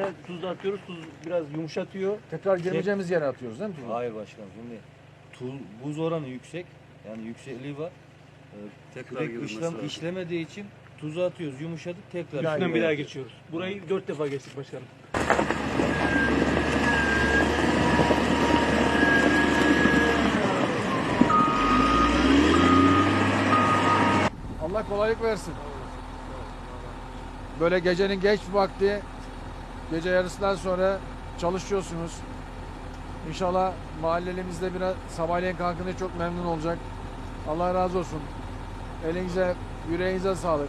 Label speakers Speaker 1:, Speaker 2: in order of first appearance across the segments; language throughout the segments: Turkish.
Speaker 1: sonra tuz da atıyoruz. Tuz biraz yumuşatıyor.
Speaker 2: Tekrar girmeyeceğimiz yere atıyoruz değil mi tuzu?
Speaker 1: Hayır başkanım, şimdi buz oranı yüksek. Yani yüksekliği var.
Speaker 3: Tekrar
Speaker 1: Kürek
Speaker 3: girilmesi
Speaker 1: işlem
Speaker 3: lazım.
Speaker 1: işlemediği için tuzu atıyoruz, yumuşadık tekrar.
Speaker 4: Üstünden bir daha geçiyoruz. Burayı 4 defa geçtik başkanım.
Speaker 2: Allah kolaylık versin. Böyle gecenin geç vakti, gece yarısından sonra çalışıyorsunuz. İnşallah mahallelimizde de biraz sabahleyin kalkınca çok memnun olacak. Allah razı olsun. Elinize, yüreğinize sağlık.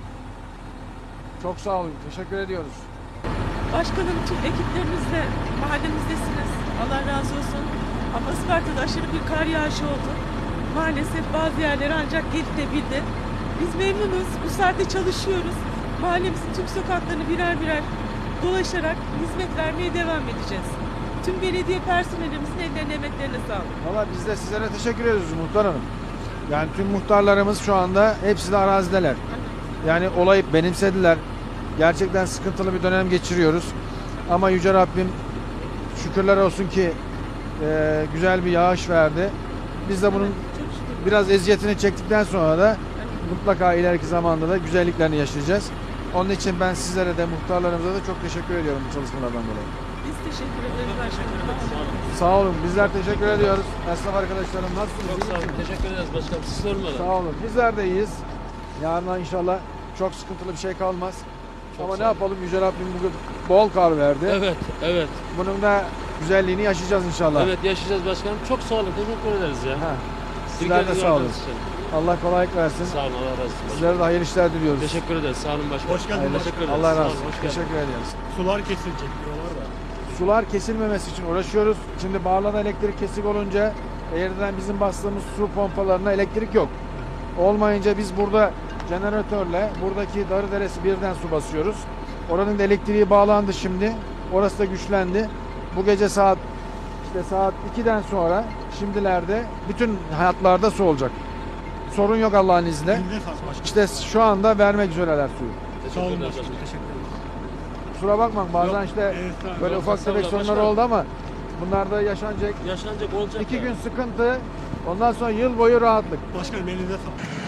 Speaker 2: Çok sağ olun. Teşekkür ediyoruz.
Speaker 5: Başkanım, tüm ekiplerimizle mahallemizdesiniz. Allah razı olsun. Ama Isparta'da aşırı bir kar yağışı oldu. Maalesef bazı yerlere ancak gelinebildi. Biz memnunuz. Bu saatte çalışıyoruz. Mahallemizin tüm sokaklarını birer birer dolaşarak hizmet vermeye devam edeceğiz. Tüm belediye personelimizin ellerine, emeklerine sağlık.
Speaker 2: Valla biz de sizlere teşekkür ediyoruz muhtar hanım. Yani tüm muhtarlarımız şu anda hepsi de arazideler. Yani olayı benimsediler. Gerçekten sıkıntılı bir dönem geçiriyoruz. Ama Yüce Rabbim şükürler olsun ki güzel bir yağış verdi. Biz de bunun
Speaker 5: Çok şükür.
Speaker 2: biraz eziyetini çektikten sonra da mutlaka ileriki zamanda da güzelliklerini yaşayacağız. Onun için ben sizlere de muhtarlarımıza da çok teşekkür ediyorum bu çalışmalardan dolayı.
Speaker 5: Biz teşekkür ederiz başkanım.
Speaker 2: Sağ olun. Bizler teşekkür ediyoruz. Esnaf arkadaşlarım nasılsınız?
Speaker 4: Çok sağ olun. Teşekkür ederiz başkanım. Siz sormalı.
Speaker 2: Sağ olun. Bizler de iyiyiz. Yarına inşallah çok sıkıntılı bir şey kalmaz. Ama ne yapalım, Yüce Rabbim bugün bol kar verdi.
Speaker 4: Evet, evet.
Speaker 2: Bunun da güzelliğini yaşayacağız inşallah.
Speaker 4: Evet, yaşayacağız başkanım. Çok sağ olun. Teşekkür ederiz ya.
Speaker 2: Ha. Sizler de sağ olun. Allah kolaylık versin.
Speaker 4: Sağ olun. Allah razı olsun.
Speaker 2: Sizlere de hayırlı işler diliyoruz.
Speaker 4: Teşekkür ederiz. Sağ olun başkanım.
Speaker 3: Hoş geldin
Speaker 2: Hayırlı-
Speaker 4: Teşekkür ederiz.
Speaker 2: Allah
Speaker 4: Sağ
Speaker 2: razı
Speaker 4: olun,
Speaker 2: olsun.
Speaker 4: hoş geldin.
Speaker 2: Teşekkür ederiz.
Speaker 3: Sular kesilecek diyorlar da.
Speaker 2: Sular kesilmemesi için uğraşıyoruz. Şimdi Barla'da elektrik kesik olunca yerden bizim bastığımız su pompalarına elektrik yok. Olmayınca biz burada jeneratörle buradaki Darıderesi birden su basıyoruz. Oranın da elektriği bağlandı şimdi. Orası da güçlendi. Bu gece saat 2'den sonra şimdilerde bütün hayatlarda su olacak. Sorun yok Allah'ın izniyle.
Speaker 3: Elinize sağlık başkanım.
Speaker 2: İşte şu anda vermek üzereler suyu.
Speaker 3: Sağ olun
Speaker 4: Teşekkürler
Speaker 3: başkanım.
Speaker 4: başkanım.
Speaker 3: Teşekkür ederim.
Speaker 2: Kusura bakmayın bazen
Speaker 3: Yok,
Speaker 2: işte
Speaker 3: estağfurullah.
Speaker 2: böyle ufak tefek
Speaker 4: Estağfurullah
Speaker 2: sorunlar
Speaker 4: başkanım.
Speaker 2: oldu ama bunlar da yaşanacak.
Speaker 4: Yaşanacak olacak.
Speaker 2: 2
Speaker 4: ya.
Speaker 2: gün sıkıntı, ondan sonra yıl boyu rahatlık.
Speaker 3: Başkanım elinize sağlık.